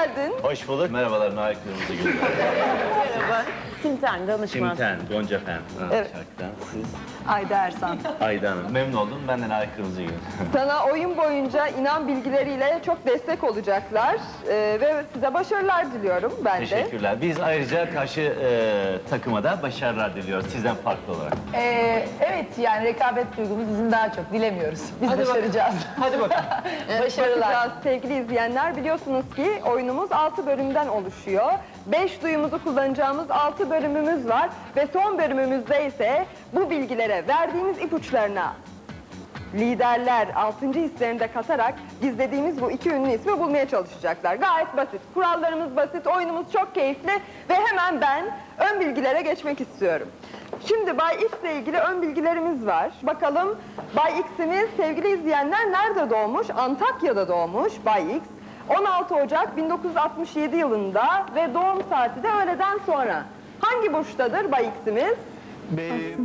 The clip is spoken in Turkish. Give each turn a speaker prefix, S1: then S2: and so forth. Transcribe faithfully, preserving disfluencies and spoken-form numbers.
S1: geldin.
S2: Hoş bulduk. Merhabalar Nail Kırmızıgül.
S1: Merhaba. Simten, danışman.
S2: Simten, Gonca Fen. Ha,
S1: Evet.
S2: Şarkıdan. Siz?
S1: Ayda Ersan.
S2: Ayda Hanım. Memnun oldum. Ben de Nail Kırmızıgül.
S1: Sana oyun boyunca inan bilgileriyle çok destek olacaklar. Ee, ve size başarılar diliyorum ben de.
S2: Teşekkürler. Biz ayrıca karşı e, takıma da başarılar diliyoruz sizden farklı olarak.
S3: Ee, evet yani rekabet duygumuz bizim daha çok dilemiyoruz. Biz
S1: Hadi
S3: başaracağız.
S1: Hadi bakalım.
S3: Başarılar.
S1: Bakacağız sevgili izleyenler. Biliyorsunuz ki oyunumuz altı bölümden oluşuyor. beş duyumuzu kullanacağımız altı bölümümüz var. Ve son bölümümüzde ise bu bilgilere verdiğimiz ipuçlarına liderler altıncı hislerini de katarak gizlediğimiz bu iki ünlü ismi bulmaya çalışacaklar. Gayet basit. Kurallarımız basit, oyunumuz çok keyifli ve hemen ben ön bilgilere geçmek istiyorum. Şimdi Bay X ile ilgili ön bilgilerimiz var. Bakalım Bay X'imiz sevgili izleyenler nerede doğmuş? Antakya'da doğmuş Bay X. on altı Ocak bin dokuz yüz altmış yedi yılında ve doğum saati de öğleden sonra. Hangi burçtadır Bay X'imiz?